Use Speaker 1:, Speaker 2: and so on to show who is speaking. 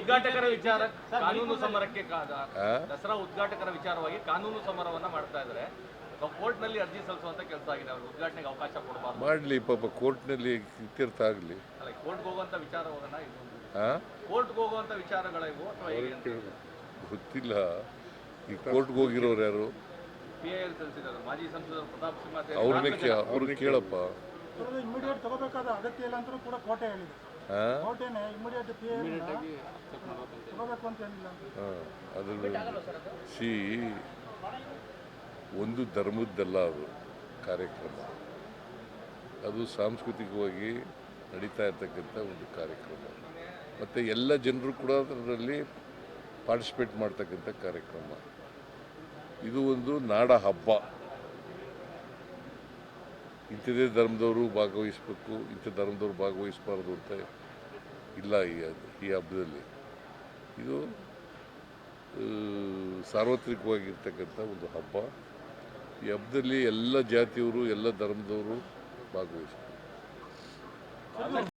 Speaker 1: ಉದ್ಘಾಟಕರ ವಿಚಾರ ಕಾನೂನು ಸಮರಕ್ಕೆ ದಸರಾ ಉದ್ಘಾಟಕರ ವಿಚಾರವಾಗಿ ಕಾನೂನು ಸಮರವನ್ನ ಮಾಡ್ತಾ ಇದ್ದಾರೆ. ಕೋರ್ಟ್ ನಲ್ಲಿ ಅರ್ಜಿ ಸಲ್ಲಿಸುವಂತ ಕೆಲಸ ಆಗಿದೆ. ಅವರು ಉದ್ಘಾಟನೆಗೆ ಅವಕಾಶ ಕೊಡಬಾರ್ದು.
Speaker 2: ಮಾಡಲಿ ಪಾಪ, ಕೋರ್ಟ್ನಲ್ಲಿ ಇತ್ಯರ್ಥ ಆಗಲಿ.
Speaker 1: ಅಲ್ಲ, ಕೋರ್ಟ್ಗೆ ಹೋಗುವಂತ ವಿಚಾರ ಹೋಗೋಣ. ಕೋರ್ಟ್ಗೆ ಹೋಗುವಂತ ವಿಚಾರಗಳ ಇವು ಅಥವಾ
Speaker 2: ಗೊತ್ತಿಲ್ಲ. ಈ ಕೋರ್ಟ್ಗೆ ಹೋಗಿರೋರು ಯಾರು?
Speaker 1: PIL ಸಲ್ಲಿಸಿದ್ದಾರೆ ಮಾಜಿ ಸಂಸದರು ಪ್ರತಾಪ್ ಸಿಂಹ.
Speaker 2: ಅವ್ರಿಗೆ ಕೇಳಪ್ಪ.
Speaker 3: ಇಮಿಡಿಯೇಟ್ ತಗೋಬೇಕಾದ ಅಗತ್ಯ ಇಲ್ಲ ಅಂತ ಕೂಡ ಕೋರ್ಟೆ ಹೇಳಿದೆ. ಕೋರ್ಟೇನೆ ಇಮಿಡಿಯೇಟ್ ತಗೋಬೇಕು ಅಂತ ಏನಿಲ್ಲ.
Speaker 2: ಅದು ಒಂದು ಧರ್ಮದ್ದಲ್ಲ, ಅದು ಕಾರ್ಯಕ್ರಮ. ಅದು ಸಾಂಸ್ಕೃತಿಕವಾಗಿ ನಡೀತಾ ಇರ್ತಕ್ಕಂಥ ಒಂದು ಕಾರ್ಯಕ್ರಮ. ಮತ್ತು ಎಲ್ಲ ಜನರು ಕೂಡ ಅದರಲ್ಲಿ ಪಾರ್ಟಿಸಿಪೇಟ್ ಮಾಡ್ತಕ್ಕಂಥ ಕಾರ್ಯಕ್ರಮ. ಇದು ಒಂದು ನಾಡ ಹಬ್ಬ. ಇಂಥದೇ ಧರ್ಮದವರು ಭಾಗವಹಿಸಬೇಕು, ಇಂಥ ಧರ್ಮದವರು ಭಾಗವಹಿಸಬಾರ್ದು ಅಂತ ಇಲ್ಲ. ಈ ಹಬ್ಬದಲ್ಲಿ ಇದು ಸಾರ್ವತ್ರಿಕವಾಗಿರ್ತಕ್ಕಂಥ ಒಂದು ಹಬ್ಬ. ಈ ಹಬ್ಬದಲ್ಲಿ ಎಲ್ಲ ಜಾತಿಯವರು, ಎಲ್ಲ ಧರ್ಮದವರು ಭಾಗವಹಿಸಬೇಕು.